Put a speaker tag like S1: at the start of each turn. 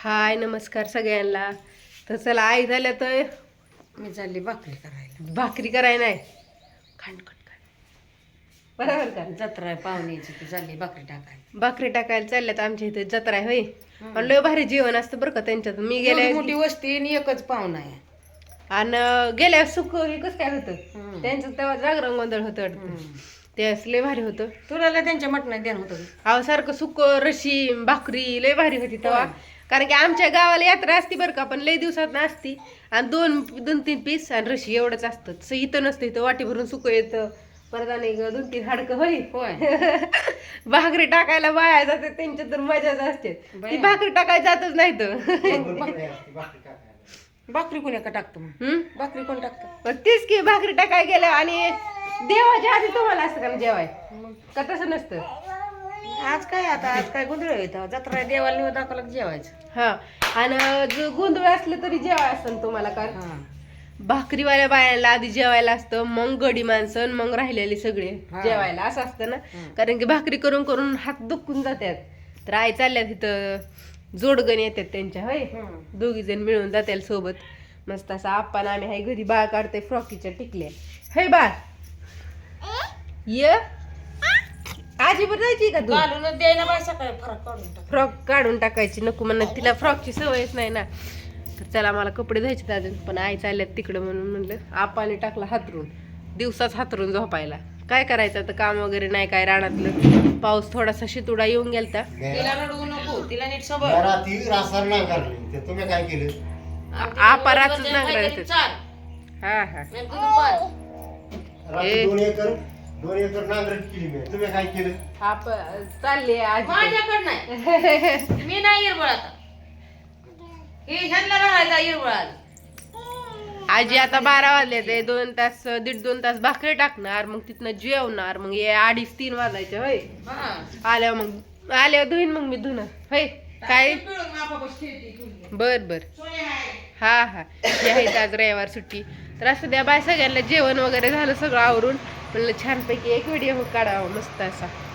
S1: हाय नमस्कार सगळ्यांना. तर चला आई झाल्या तर
S2: मी चालली भाकरी करायला.
S1: भाकरी कराय नाही खांडखट बरोबर का.
S2: जत्रा आहे पाहुण्याची ती चालली भाकरी टाकायला.
S1: भाकरी टाकायला चालल्यात आमच्या इथे जत्रा आहे होय. आणि लय भारी जेवण असतं बरं का त्यांच्यात. मी
S2: एवढी
S1: गेल्या
S2: मोठी वस्ती आणि एकच पाहुणा आहे.
S1: आणि गेल्या सुख हे कसं काय होतं त्यांचं तेव्हा जागरण गोंधळ होतं वाटतं. ते लय भारी होतं.
S2: तुला लय त्यांच्या मटणात ध्यान होतं.
S1: अहो सारखं सुक रशी भाकरी लय भारी होती तेव्हा. कारण की आमच्या गावाला यात्रा असती बरं का, पण लय दिवसात असती. आणि दोन तीन पीस आणि रशी एवढंच असतं. तसं इथं नसतं. इथं वाटी भरून सुक येतं परत आणि 2-3 हाडकं होय. भाकरी टाकायला बाया जाते त्यांच्या तर मजाच असते. ती भाकरी टाकायला जातच नाही तर.
S2: भाकरी कोणी का टाकतो भाकरी कोण टाकतो.
S1: तीच की भाकरी टाकायला गेलं आणि देवाच्या आधी तुम्हाला असतं का जेवाय का तसं नसतं.
S2: आज काय गोंधळ येतं. जत्रा आहे, देवाला निवड दाखवला की जेवायचं.
S1: हा आणि गोंधळ असलं तरी जेवाय असतं तुम्हाला. कारण भाकरीवाल्या बायांना आधी जेवायला असतं, मग गडी माणसं, मग राहिलेले सगळे जेवायला असं असतं ना. कारण की भाकरी करून करून हात दुखून जातात. तर आई चालल्यात तिथं जोडगण येतात त्यांच्या होय. दोघी जण मिळून जातात सोबत मस्त असं. आपण आम्ही हाय घरी बाळ काढते फ्रॉकीच्या टिकल्या. हे बाळ ये आजी बरं जायची का तू.
S2: घालूनच द्यायला बाय सकाळी फरक काढून टाक.
S1: फ्रॉक काढून टाकायची नको म्हणत. तिला फ्रॉकची सवयच नाही ना. तर चला मला कपडे धुवायचे अजून, पण आई चालल्यात तिकडं म्हणून म्हणलं आपाने टाकला हातरून. दिवसाच हातरून झोपायला काय करायचं आता. काम वगैरे नाही काय रानातलं. पाऊस थोडासा शितुडा येऊन गेलता.
S2: तिला रडवू नको, तिला नीट सवय.
S3: तुम्ही काय केलं.
S1: आपाराच नांगरायचं. हा हा
S3: दोन एकर नांगरट केली मी. तुम्ही काय केलं.
S1: आप चालले आज
S2: माझ्याकडं नाही. मी नाही इरबळ आता. हे ह्यांना राहायचा इरबळाला.
S1: आजी आता 12 वाजले ते 2 तास 1.5-2 तास भाकरी टाकणार, मग तिथनं जेवणार, मग 2:30-3 वाजायचे होय. आल्यावर धुईन मग मी धुणं होय. काय बर हा हा हे आहे आज रविवार सुट्टी. तर असं द्या बाय सगळ्यांना. जेवण वगैरे झालं सगळं आवरून म्हणलं छानपैकी एक व्हिडिओ काढावा मस्त असा.